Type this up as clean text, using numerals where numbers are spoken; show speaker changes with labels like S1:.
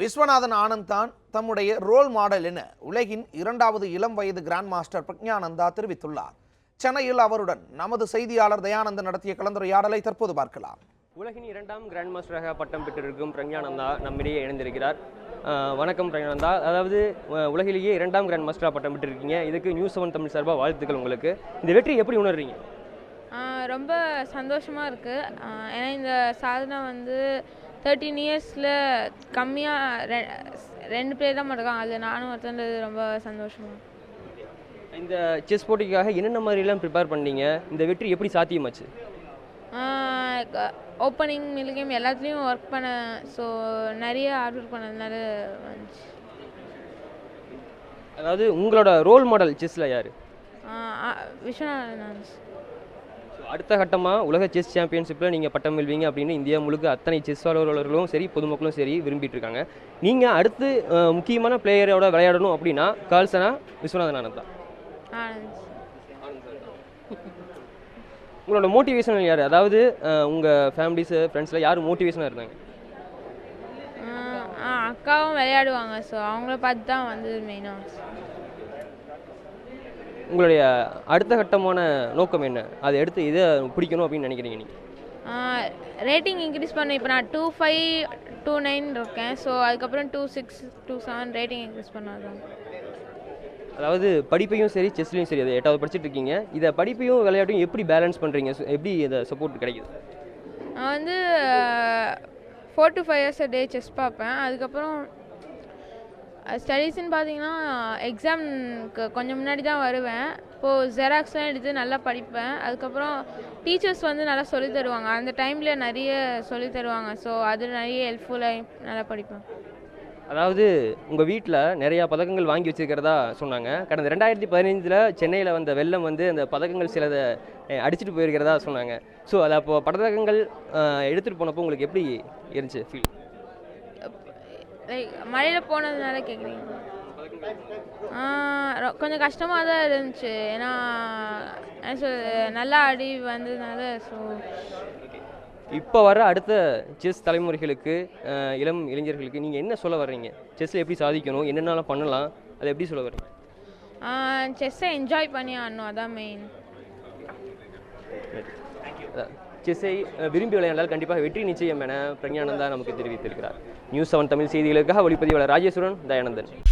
S1: விஸ்வநாதன் ஆனந்த் தான் தம்முடைய role model என உலகின் இரண்டாவது இளம் வயது கிராண்ட் மாஸ்டர் பிரக்ஞானந்தா தெரிவித்துள்ளார். சென்னையில் அவருடன் நமது செய்தியாளர் தயானந்தன் நடத்திய கலந்துரையாடலை தற்போது பார்க்கலாம்.
S2: உலகின் இரண்டாம் கிராண்ட் மாஸ்டராக பட்டம் பெற்றிருக்கும் பிரக்ஞானந்தா நம்மிடையே இணைந்திருக்கிறார். வணக்கம் பிரக்ஞானந்தா. அதாவது உலகிலேயே இரண்டாம் கிராண்ட் மாஸ்டராக பட்டம் பெற்றிருக்கீங்க. இதுக்கு நியூஸ் 7 தமிழ் சார்பாக வாழ்த்துக்கள் உங்களுக்கு. இந்த வெற்றி எப்படி உணர்றீங்க?
S3: ரொம்ப சந்தோஷமாக இருக்குது. ஏன்னா இந்த சாதனை 13 இயர்ஸில் கம்மியாக 2 பேர் தான் இருக்காங்க. அதில் நானும் ஒருத்தன்றது ரொம்ப சந்தோஷமாக.
S2: இந்த செஸ் போட்டிக்காக என்னென்ன மாதிரிலாம் ப்ரிப்பேர் பண்ணீங்க? இந்த வெற்றி எப்படி சாத்தியமாச்சு?
S3: ஓப்பனிங் மிடில் கேம் எல்லாத்துலேயும் ஒர்க் பண்ண, ஸோ நிறைய ஹார்ட் ஒர்க் பண்ணதுனால வந்துச்சு.
S2: அதாவது உங்களோட ரோல் மாடல் செஸ்ஸில் யார்?
S3: விஸ்வநாதன்.
S2: அடுத்த கட்டமாக உலக செஸ் சாம்பியன்ஷிப்பில் நீங்கள் பட்டம் வெல்வீங்க அப்படின்னு இந்தியா முழுக்க அத்தனை செஸ் ஆர்வலர்களும் சரி பொதுமக்களும் சரி விரும்பிட்டு இருக்காங்க. நீங்கள் அடுத்து முக்கியமான பிளேயரோட விளையாடணும் அப்படின்னா கால்சனா விஸ்வநாதன் ஆனந்த் தான். உங்களோட மோட்டிவேஷன் யார்? அதாவது உங்கள் ஃபேமிலிஸு ஃப்ரெண்ட்ஸில் யார் மோட்டிவேஷனாக இருந்தாங்க?
S3: அக்காவும் விளையாடுவாங்க, ஸோ அவங்கள பார்த்து தான் மெயினாக.
S2: உங்களுடைய அடுத்த கட்டமான நோக்கம் என்ன? அதை எடுத்து இதை பிடிக்கணும் அப்படின்னு நினைக்கிறீங்க நீங்கள்?
S3: ரேட்டிங் இன்க்ரீஸ் பண்ண. இப்போ நான் 25, 29 இருக்கேன். ஸோ அதுக்கப்புறம் 26, 27 ரேட்டிங் இன்க்ரீஸ் பண்ணாதான்.
S2: அதாவது படிப்பையும் சரி செஸ்லையும் சரி, அதை 8வது படிச்சுட்டு இருக்கீங்க. இதை படிப்பையும் விளையாட்டையும் எப்படி பேலன்ஸ் பண்ணுறீங்க? எப்படி இதை சப்போர்ட் கிடைக்குது?
S3: நான் 4 to 5 hours a day chess பார்ப்பேன். அதுக்கப்புறம் ஸ்டடீஸ்ன்னு பார்த்தீங்கன்னா எக்ஸாம்க்கு கொஞ்சம் முன்னாடி தான் வருவேன். இப்போது ஜெராக்ஸ்லாம் எடுத்து நல்லா படிப்பேன். அதுக்கப்புறம் டீச்சர்ஸ் நல்லா சொல்லித் தருவாங்க. அந்த டைமில் நிறைய சொல்லித் தருவாங்க. ஸோ அது நிறைய ஹெல்ப்ஃபுல்லாக நல்லா படிப்பேன்.
S2: அதாவது உங்கள் வீட்டில் நிறையா பதக்கங்கள் வாங்கி வச்சுருக்கிறதா சொன்னாங்க. கடந்த 2015 சென்னையில் வந்த வெள்ளம் அந்த பதக்கங்கள் சிலதை அடிச்சுட்டு போயிருக்கிறதா சொன்னாங்க. ஸோ அதை அப்போது பதக்கங்கள் எடுத்துகிட்டு போனப்போ உங்களுக்கு எப்படி இருந்துச்சு ஃபீல்?
S3: லைக் மழையில் போனதுனால கேட்குறீங்க? கொஞ்சம் கஷ்டமாக தான் இருந்துச்சு. ஏன்னா நல்லா அடி வந்ததுனால. ஸோ
S2: இப்போ வர அடுத்த செஸ் தலைமுறைகளுக்கு, இளம் இளைஞர்களுக்கு நீங்கள் என்ன சொல்ல வர்றீங்க? செஸ்ஸில் எப்படி சாதிக்கணும், என்னென்னலாம் பண்ணலாம், அதை எப்படி சொல்ல வர்றீங்க?
S3: செஸ்ஸை என்ஜாய் பண்ணி ஆடணும், அதான் மெயின்.
S2: செஸ்ஸை விரும்பி விளையாண்டால் கண்டிப்பாக வெற்றி நிச்சயம் என பிரக்ஞானந்தா நமக்கு தெரிவித்திருக்கிறார். நியூஸ் 7 தமிழ் செய்திகளுக்காக ஒளிப்பதிவாளர் ராஜேஸ்வரன், தயானந்தன்.